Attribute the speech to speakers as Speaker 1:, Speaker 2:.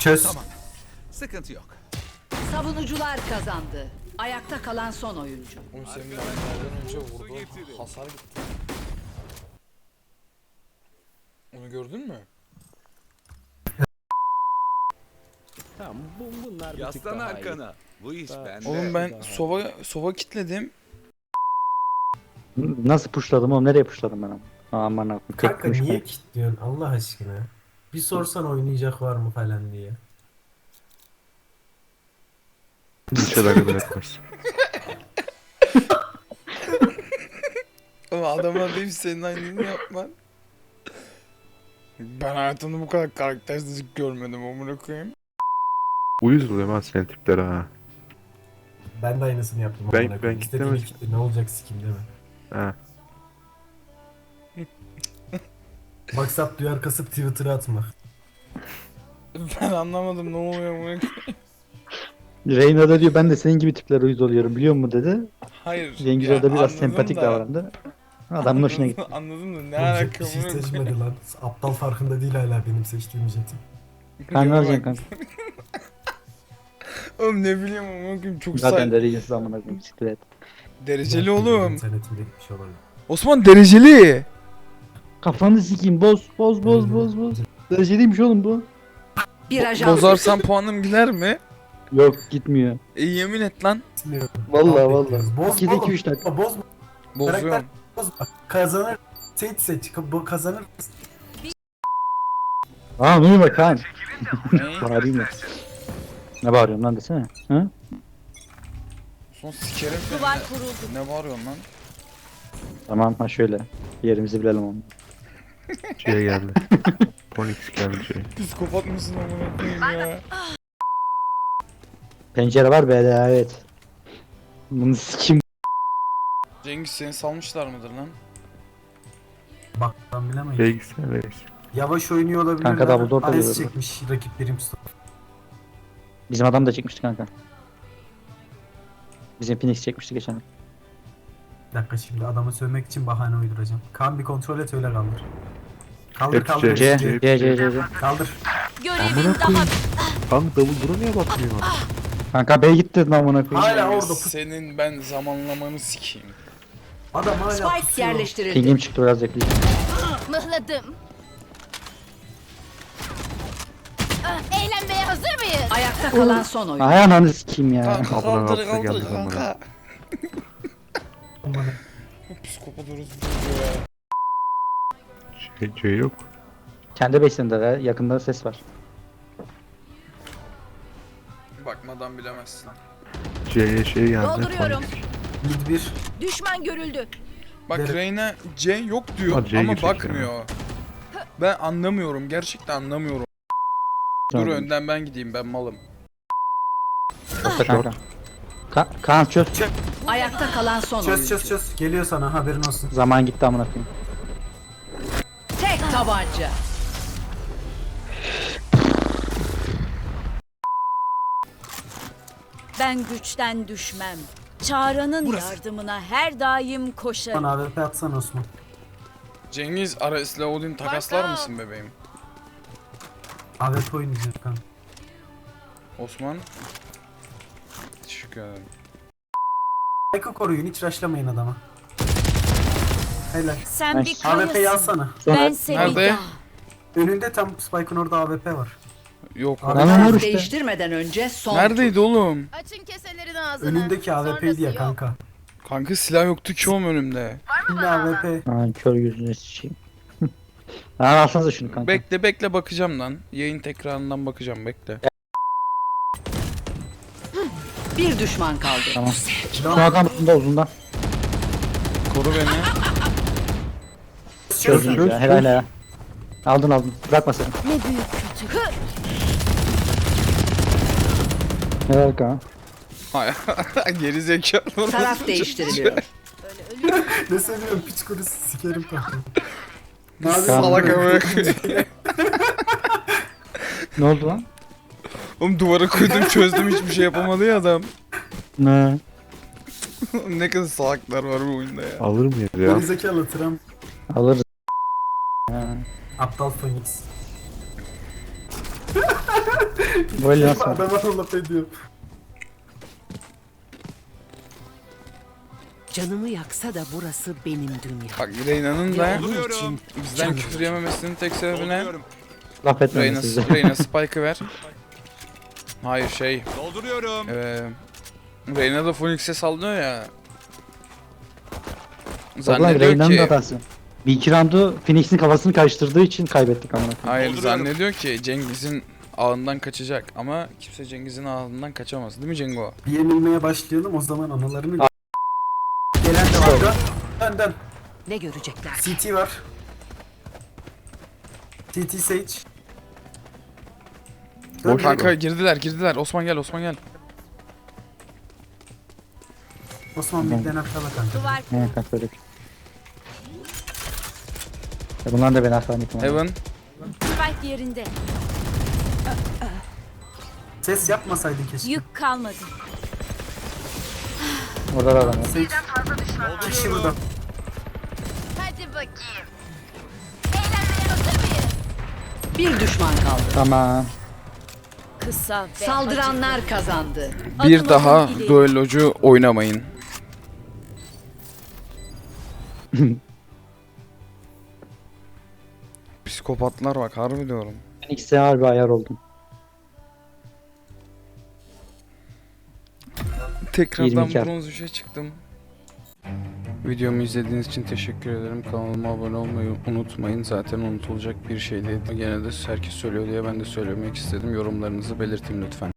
Speaker 1: Çöz.
Speaker 2: Tamam. Sıkıntı yok.
Speaker 3: Savunucular kazandı. Ayakta kalan son oyuncu.
Speaker 4: Oğlum senin mermilerden önce vurdu. Hasar gitti. Onu gördün mü?
Speaker 5: Tamam bunlar bir tık
Speaker 2: Yaslan
Speaker 5: daha iyi.
Speaker 2: arkana. Bu iş bende.
Speaker 4: Oğlum ben sova kitledim.
Speaker 1: Nasıl puşladım oğlum? Nereye puşladım ben ama? Aman akım. Tek
Speaker 6: Kanka
Speaker 1: konuşma.
Speaker 6: niye kilitliyorsun Allah aşkına? Bir sorsan oynayacak var mı falan diye.
Speaker 7: Hiç alakadar etmez.
Speaker 4: Ama adamlar deyip senin aynını yapman. Ben hayatımda bu kadar karaktersizlik görmedim amına koyayım.
Speaker 7: Uyuz oluyorum ha senin tiplere ha.
Speaker 6: Ben de aynısını yaptım.
Speaker 7: Ben-
Speaker 6: amına
Speaker 7: ben
Speaker 6: koyayım. İstediğini
Speaker 7: kitlemedim.
Speaker 6: kitle, ne olacak sikim değil mi?
Speaker 7: Ha.
Speaker 6: Maksat duyar kasıp Twitter'a atmak.
Speaker 4: Ben anlamadım ne oluyor amına koyayım.
Speaker 1: Reyna da diyor ben de senin gibi tiplere uyuz oluyorum biliyor musun dedi.
Speaker 4: Hayır.
Speaker 1: Cengiz
Speaker 4: ya
Speaker 1: orada biraz
Speaker 4: anladım
Speaker 1: sempatik
Speaker 4: da-
Speaker 1: davrandı. Adamın hoşuna gitti.
Speaker 4: Anladım da ne
Speaker 6: Olacak
Speaker 4: alaka
Speaker 6: bir şey
Speaker 4: amına koyayım.
Speaker 6: seçmedi lan. Aptal farkında değil hala benim seçtiğim jeti.
Speaker 1: Kanka
Speaker 4: Yok,
Speaker 1: alacaksın
Speaker 4: bak-
Speaker 1: kanka.
Speaker 4: Oğlum ne bileyim amına koyayım çok
Speaker 1: Zaten de Regensiz amına koyayım. Siktir et.
Speaker 4: Dereceli oğlum.
Speaker 6: İnternetimde gitmiş olabilir.
Speaker 4: Osman dereceli.
Speaker 1: Kafanı sikeyim boz. Dereceliymiş oğlum bu.
Speaker 3: Bir ajan
Speaker 4: Bozarsan puanım gider mi?
Speaker 1: Yok gitmiyor.
Speaker 4: Yemin et lan.
Speaker 6: Bilmiyorum.
Speaker 1: Vallahi
Speaker 6: Bekliyoruz.
Speaker 1: vallahi.
Speaker 6: Bozma
Speaker 1: 2'de
Speaker 6: oğlum.
Speaker 1: 2-3 dakika.
Speaker 6: Bozma.
Speaker 4: Bozuyorum.
Speaker 6: Bozma. Kazanır. Seç. Bu kazanır.
Speaker 1: Aa ne bak Kaan.
Speaker 4: Ne?
Speaker 1: Bağırayım ya. Ne bağırıyorsun lan desene. Hı?
Speaker 4: Son sikerim seni.
Speaker 3: duvar kuruldu.
Speaker 4: Ne bağırıyorsun lan?
Speaker 1: Tamam ha şöyle. Yerimizi bilelim onu.
Speaker 7: Şeye geldi. Ponix geldi şey.
Speaker 4: Psikopat mısın amına koyayım ya?
Speaker 1: Pencere var B'de evet. Bunu sikeyim.
Speaker 4: Cengiz seni salmışlar mıdır lan?
Speaker 6: Bak ben bilemeyiz.
Speaker 7: Bilgisayar reis.
Speaker 6: Yavaş oynuyor olabilir.
Speaker 1: Kanka double door da
Speaker 6: AS
Speaker 1: geliyor.
Speaker 6: çekmiş rakiplerim.
Speaker 1: Bizim adam da çekmişti kanka. Bizim Phoenix çekmişti geçen.
Speaker 6: Bir dakika şimdi adamı sövmek için bahane uyduracağım. Kaan bir kontrol et öyle kaldır. Kaldır
Speaker 7: Hepsi
Speaker 6: kaldır.
Speaker 7: C.
Speaker 1: C.
Speaker 6: Kaldır.
Speaker 3: Görevin daha
Speaker 7: Kanka davul dura niye bakmıyor?
Speaker 1: Kanka B gitti lan amına koyayım.
Speaker 6: Hala
Speaker 4: Cengiz,
Speaker 6: orada
Speaker 4: senin ben zamanlamanı sikeyim.
Speaker 6: adam hala
Speaker 3: Spike
Speaker 6: pusuyor.
Speaker 3: yerleştirildi.
Speaker 1: Pingim çıktı biraz bekleyeceğim.
Speaker 8: Mıhladım. Eğlenmeye hazır mıyız?
Speaker 3: Ayakta kalan son oyuncu.
Speaker 1: Ay ananı sikeyim ya.
Speaker 4: Kanka
Speaker 7: Ablan
Speaker 4: kaldır
Speaker 7: altına
Speaker 4: kaldır
Speaker 7: geldi lan
Speaker 4: kanka.
Speaker 6: Aman.
Speaker 4: Psikopat orası ya.
Speaker 7: C yok.
Speaker 1: Kendi base'inde de yakında ses var.
Speaker 4: Bakmadan bilemezsin.
Speaker 7: C'ye şey geldi.
Speaker 8: Dolduruyorum.
Speaker 7: Ponix.
Speaker 6: Mid 1.
Speaker 8: Düşman görüldü.
Speaker 4: Bak
Speaker 6: Evet.
Speaker 4: Reyna C yok diyor
Speaker 7: Ha, C
Speaker 4: ama
Speaker 7: girecek
Speaker 4: bakmıyor. Ben anlamıyorum gerçekten anlamıyorum. Dur
Speaker 1: Tamam.
Speaker 4: önden ben gideyim ben malım.
Speaker 1: Orta kanka. Kaan çöz.
Speaker 3: Ayakta kalan son oyuncu.
Speaker 6: Çöz. Geliyor sana haberin olsun.
Speaker 1: Zaman gitti amına koyayım.
Speaker 3: Tek tabanca.
Speaker 8: Ben güçten düşmem. Çağrı'nın yardımına her daim koşarım.
Speaker 6: Bana AWP atsana Osman.
Speaker 4: Cengiz Ares'le Odin takaslar mısın bebeğim?
Speaker 6: AWP oynayacak kan.
Speaker 4: Osman. Teşekkür ederim.
Speaker 6: Spike'ı koruyun hiç rushlamayın adama. Helal.
Speaker 8: Sen bir
Speaker 6: AWP'yi
Speaker 8: kayasın.
Speaker 6: alsana.
Speaker 8: Ben seni
Speaker 4: Nerede?
Speaker 8: daha.
Speaker 6: Önünde tam Spike'ın orada AWP var.
Speaker 4: Yok.
Speaker 6: Abi,
Speaker 1: Lan
Speaker 3: Taraf
Speaker 1: işte.
Speaker 3: değiştirmeden önce son
Speaker 4: Neredeydi oğlum?
Speaker 8: Açın keselerin ağzını.
Speaker 6: Önündeki AWP'ydi ya
Speaker 8: Sonrası yok.
Speaker 6: kanka.
Speaker 4: Kanka silah yoktu ki oğlum önümde.
Speaker 6: Şimdi AWP.
Speaker 1: Aa kör gözüne sıçayım. Aa alsanıza şunu kanka.
Speaker 4: Bekle bakacağım lan. Yayın tekrarından bakacağım bekle.
Speaker 3: bir düşman kaldı.
Speaker 1: Tamam. Şu adam bunda uzundan.
Speaker 4: Koru beni.
Speaker 1: Çözdünüz ya helal ya. Aldın. Bırakma sen.
Speaker 8: Ne büyük kötü.
Speaker 1: Helal Kaan.
Speaker 4: Geri zekalı.
Speaker 3: Taraf değiştiriliyor.
Speaker 6: Ne seviyorum piç kurusu sikerim kanka.
Speaker 4: Salak amına koyayım.
Speaker 1: Ne oldu lan?
Speaker 4: Oğlum duvara koydum çözdüm hiçbir şey yapamadı ya adam.
Speaker 1: Ne?
Speaker 4: Ne kadar salaklar var bu oyunda ya.
Speaker 7: Alır mıyız ya?
Speaker 6: Gerizekalı Trump.
Speaker 1: Alırız. Ha.
Speaker 6: Aptal Phoenix.
Speaker 1: Böyle nasıl?
Speaker 6: Adama laf ediyor.
Speaker 9: Canımı yaksa da burası benim dünya.
Speaker 4: Bak Reyna'nın da
Speaker 2: Dolduruyorum.
Speaker 4: bizden küfür yememesinin tek sebebi ne?
Speaker 2: Dolduruyorum.
Speaker 1: Laf etmeyin size.
Speaker 4: Reyna Spike'ı ver. Hayır şey.
Speaker 2: Dolduruyorum.
Speaker 4: Reyna da Phoenix'e sallıyor ya.
Speaker 1: Ulan
Speaker 4: Zannediyor
Speaker 1: Reyna'nın da
Speaker 4: ki.
Speaker 1: hatası. Bir iki roundu Phoenix'in kafasını karıştırdığı için kaybettik ama.
Speaker 4: Hayır
Speaker 2: Dolduruyorum.
Speaker 4: zannediyor ki Cengiz'in ağından kaçacak ama kimse Cengiz'in ağından kaçamaz değil mi Cengo?
Speaker 6: Bir yenilmeye başlayalım o zaman anılarını... Gelen de var da. Dön.
Speaker 9: Ne görecekler?
Speaker 6: CT var. CT Sage. Dön
Speaker 4: Kanka girdiler. Osman gel.
Speaker 6: Osman birden arkada kanka.
Speaker 8: Duvar
Speaker 1: Evet kanka öyle. Bunlar da beni arkadan yıkamadı.
Speaker 4: Heaven.
Speaker 8: spike yerinde.
Speaker 6: Ses yapmasaydın keşke.
Speaker 8: Yük kalmadı.
Speaker 1: Orada da adam var.
Speaker 6: Sage. Kişi burada.
Speaker 8: Hadi bakayım.
Speaker 3: Bir düşman kaldı.
Speaker 1: Tamam.
Speaker 8: Kısa ve
Speaker 3: Saldıranlar kazandı.
Speaker 4: Bir
Speaker 8: Adım
Speaker 4: daha
Speaker 8: adım ileri.
Speaker 4: duellocu oynamayın. Psikopatlar bak harbi diyorum.
Speaker 1: Phoenix'e harbi ayar oldum.
Speaker 4: Tekrardan
Speaker 1: 22
Speaker 4: bronz 3'e çıktım. Videomu izlediğiniz için teşekkür ederim. Kanalıma abone olmayı unutmayın. Zaten unutulacak bir şey değil. Gene de herkes söylüyor diye ben de söylemek istedim. Yorumlarınızı belirtin lütfen.